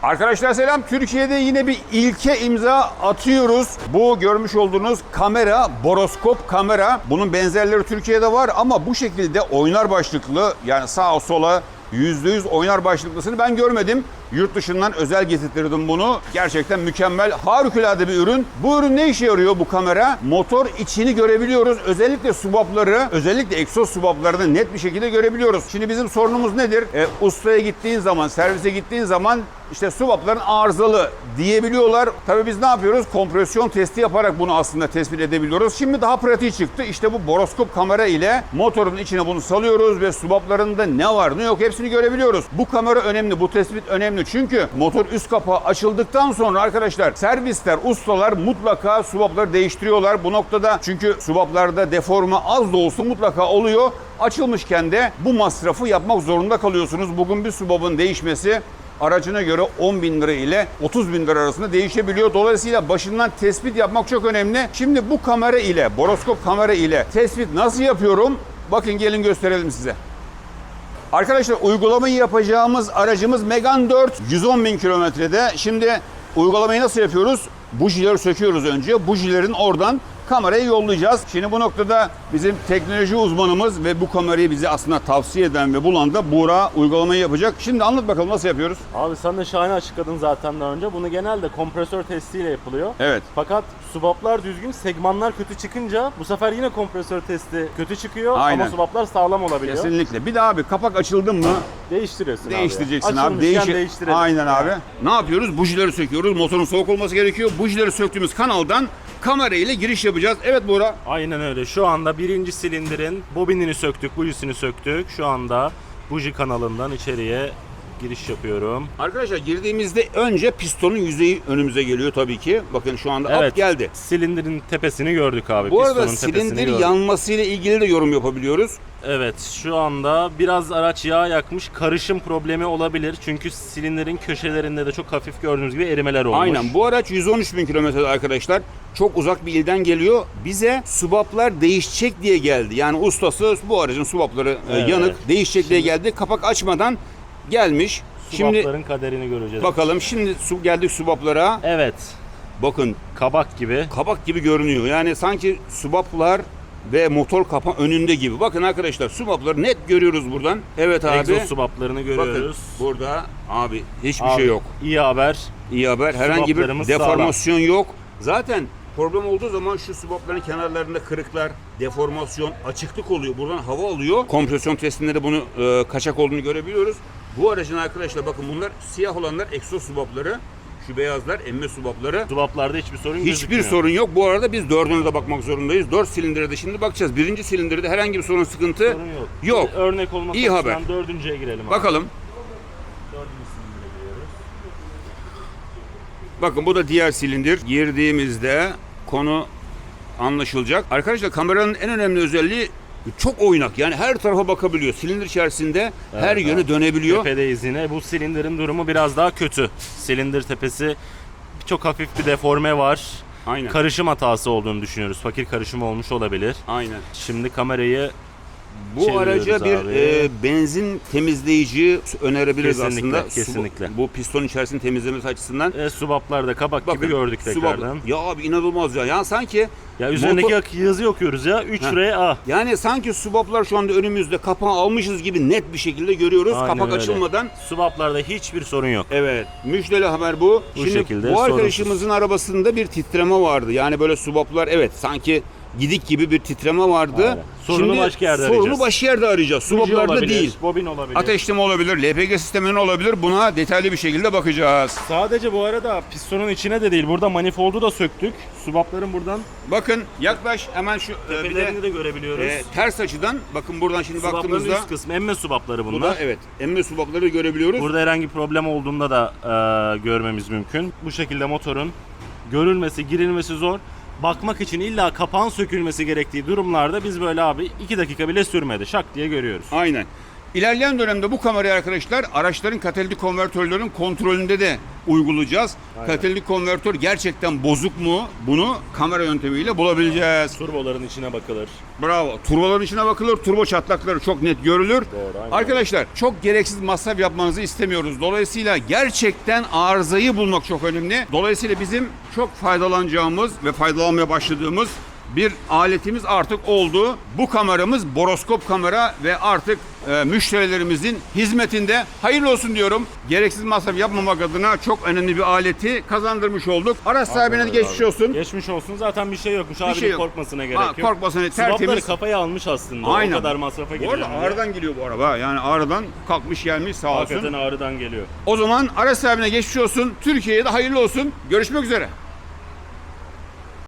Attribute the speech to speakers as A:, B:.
A: Arkadaşlar selam. Türkiye'de yine bir ilke imza atıyoruz. Bu görmüş olduğunuz kamera, boroskop kamera. Bunun benzerleri Türkiye'de var ama bu şekilde oynar başlıklı, yani sağa sola %100 oynar başlıklısını ben görmedim. Yurt dışından özel getirttirdim bunu. Gerçekten mükemmel, harikulade bir ürün. Bu ürün ne işe yarıyor bu kamera? Motor içini görebiliyoruz. Özellikle subapları, özellikle egzoz subaplarını net bir şekilde görebiliyoruz. Şimdi bizim sorunumuz nedir? Ustaya gittiğin zaman, servise gittiğin zaman işte subapların arızalı diyebiliyorlar. Tabii biz ne yapıyoruz? Kompresyon testi yaparak bunu aslında tespit edebiliyoruz. Şimdi daha pratiği çıktı. İşte bu boroskop kamera ile motorun içine bunu salıyoruz ve subaplarında ne var ne yok hepsini görebiliyoruz. Bu kamera önemli, bu tespit önemli. Çünkü motor üst kapağı açıldıktan sonra arkadaşlar servisler, ustalar mutlaka subapları değiştiriyorlar. Bu noktada çünkü subaplarda deforme az da olsa mutlaka oluyor. Açılmışken de bu masrafı yapmak zorunda kalıyorsunuz. Bugün bir subabın değişmesi aracına göre 10.000 lira ile 30.000 lira arasında değişebiliyor. Dolayısıyla başından tespit yapmak çok önemli. Şimdi bu kamera ile, boroskop kamera ile tespit nasıl yapıyorum? Bakın gelin gösterelim size. Arkadaşlar uygulamayı yapacağımız aracımız Megane 4 110.000 kilometrede. Şimdi uygulamayı nasıl yapıyoruz? Bujileri söküyoruz önce. Bujilerin oradan kamerayı yollayacağız. Şimdi bu noktada bizim teknoloji uzmanımız ve bu kamerayı bize aslında tavsiye eden ve bulan da Buğra uygulamayı yapacak. Şimdi anlat bakalım nasıl yapıyoruz?
B: Abi sen de şahane açıkladın zaten daha önce. Bunu genelde kompresör testiyle yapılıyor.
A: Evet.
B: Fakat subaplar düzgün, segmanlar kötü çıkınca bu sefer yine kompresör testi kötü çıkıyor.
A: Aynen.
B: Ama subaplar sağlam olabiliyor.
A: Kesinlikle. Bir de abi kapak açıldı mı
B: Değiştiriyorsun
A: değiştireceksin
B: abi.
A: abi.
B: Değiştirelim.
A: Aynen abi. Ne yapıyoruz? Bujileri söküyoruz. Motorun soğuk olması gerekiyor. Bujileri söktüğümüz kanaldan kamera ile giriş yapacağız. Evet Buğra.
B: Aynen öyle. Şu anda birinci silindirin bobinini söktük, bujisini söktük. Şu anda buji kanalından içeriye giriş yapıyorum.
A: Arkadaşlar girdiğimizde önce pistonun yüzeyi önümüze geliyor tabii ki. Bakın şu anda
B: Evet,
A: up geldi.
B: silindirin tepesini gördük abi.
A: Bu arada
B: Pistonun tepesini
A: silindir
B: gördük.
A: yanmasıyla ilgili de yorum yapabiliyoruz.
B: Evet, şu anda biraz araç yağ yakmış, karışım problemi olabilir. Çünkü silindirin köşelerinde de çok hafif gördüğünüz gibi erimeler olmuş.
A: Aynen. Bu araç 113.000 kilometrede arkadaşlar. Çok uzak bir ilden geliyor. Bize subaplar değişecek diye geldi. Yani ustası bu aracın subapları
B: Evet.
A: yanık, değişecek diye geldi. Kapak açmadan gelmiş.
B: Subapların kaderini göreceğiz.
A: Bakalım şimdi geldik subaplara.
B: Evet,
A: Bakın
B: kabak gibi.
A: kabak gibi görünüyor. Yani sanki subaplar ve motor kapağı önünde gibi. Bakın arkadaşlar subapları net görüyoruz buradan. Evet abi.
B: Egzoz subaplarını görüyoruz.
A: Bakın burada abi hiçbir
B: Abi,
A: şey yok.
B: İyi haber.
A: İyi haber. Herhangi bir
B: Subaplarımız
A: deformasyon yok. Zaten problem olduğu zaman şu subapların kenarlarında kırıklar, deformasyon, açıklık oluyor. Buradan hava alıyor. Kompresyon testinde de bunu kaçak olduğunu görebiliyoruz. Bu aracın arkadaşlar bakın bunlar siyah olanlar egzoz subapları. Şu beyazlar emme subapları.
B: Subaplarda hiçbir sorun
A: Hiçbir
B: gözükmüyor.
A: sorun yok. Bu arada biz dördüne de bakmak zorundayız. 4 silindire de şimdi bakacağız. Birinci silindirde herhangi bir sorun, sıkıntı
B: Sorun yok.
A: yok.
B: Örnek olması
A: İyi
B: açısından
A: haber.
B: dördüncüye girelim abi.
A: Bakalım.
B: Dördüncü silindire giriyoruz.
A: Bakın bu da diğer silindir. Girdiğimizde konu anlaşılacak. Arkadaşlar kameranın en önemli özelliği çok oynak. Yani her tarafa bakabiliyor. Silindir içerisinde her
B: Evet,
A: yöne
B: abi.
A: dönebiliyor.
B: Tepedeyiz yine. Bu silindirin durumu biraz daha kötü. Silindir tepesi çok hafif bir deforme var.
A: Aynen.
B: Karışım hatası olduğunu düşünüyoruz. Fakir karışım olmuş olabilir.
A: Aynen.
B: Şimdi kamerayı
A: Bu
B: çeviriyoruz
A: araca bir
B: abi.
A: benzin temizleyici önerebiliriz
B: Kesinlikle,
A: aslında.
B: kesinlikle.
A: Bu piston içerisini temizlemesi açısından.
B: Subaplarda kabak gibi gördük tekrardan.
A: Ya abi inanılmaz ya. Yani sanki
B: Ya üzerindeki yazıyı okuyoruz ya. 3RA.
A: yani sanki subaplar şu anda önümüzde, kapağı almışız gibi net bir şekilde görüyoruz.
B: Aynen
A: Kapak
B: öyle.
A: açılmadan.
B: Subaplarda hiçbir sorun yok.
A: Evet. Müjdeli haber bu.
B: Bu şekilde,
A: bu
B: sorunsuz.
A: arkadaşımızın arabasında bir titreme vardı. Yani böyle subaplar evet sanki gidik gibi bir titreme vardı.
B: Aynen. Sorunu başka yerde
A: sorunu
B: arayacağız.
A: başka yerde arayacağız. Subaplarda
B: olabilir,
A: değil.
B: bobin olabilir.
A: Ateşleme olabilir, LPG sisteminin olabilir. Buna detaylı bir şekilde bakacağız.
B: Sadece bu arada pistonun içine de değil. Burada manifoldu da söktük. Subapların buradan
A: Bakın yaklaş hemen şu bir de
B: tepelerini de görebiliyoruz.
A: ters açıdan bakın buradan şimdi
B: Subapların
A: baktığımızda
B: üst kısmı emme subapları
A: bu
B: bunlar.
A: da evet emme subapları görebiliyoruz.
B: Burada herhangi bir problem olduğunda da görmemiz mümkün. Bu şekilde motorun görülmesi, girilmesi zor. Bakmak için illa kapağın sökülmesi gerektiği durumlarda biz böyle abi 2 dakika bile sürmedi. Şak diye görüyoruz.
A: Aynen. İlerleyen dönemde bu kamerayı arkadaşlar araçların katalitik konvertörlerin kontrolünde de uygulayacağız.
B: Aynen.
A: Katalitik konvertör gerçekten bozuk mu? Bunu kamera yöntemiyle bulabileceğiz.
B: Turboların içine bakılır.
A: Bravo. Turboların içine bakılır. Turbo çatlakları çok net görülür.
B: Doğru, aynen.
A: Arkadaşlar çok gereksiz masraf yapmanızı istemiyoruz. Dolayısıyla gerçekten arızayı bulmak çok önemli. Dolayısıyla bizim çok faydalanacağımız ve faydalanmaya başladığımız bir aletimiz artık oldu. Bu kameramız boroskop kamera ve artık müşterilerimizin hizmetinde. Hayırlı olsun diyorum. Gereksiz masraf yapmamak adına çok önemli bir aleti kazandırmış olduk. Araç sahibine de geçmiş olsun.
B: Geçmiş olsun. Zaten bir şey yokmuş. Abinin
A: şey yok.
B: korkmasına gerek
A: Ha,
B: yok.
A: korkmasına,
B: Swapları
A: tertemiz.
B: kafaya almış aslında.
A: Aynen.
B: O kadar masrafa
A: Bu
B: gireceğim
A: arada
B: diye.
A: Ağrı'dan geliyor bu araba. Yani Ağrı'dan kalkmış gelmiş sağ olsun.
B: Hakikaten Ağrı'dan geliyor.
A: O zaman araç sahibine geçmiş olsun. Türkiye'ye de hayırlı olsun. Görüşmek üzere.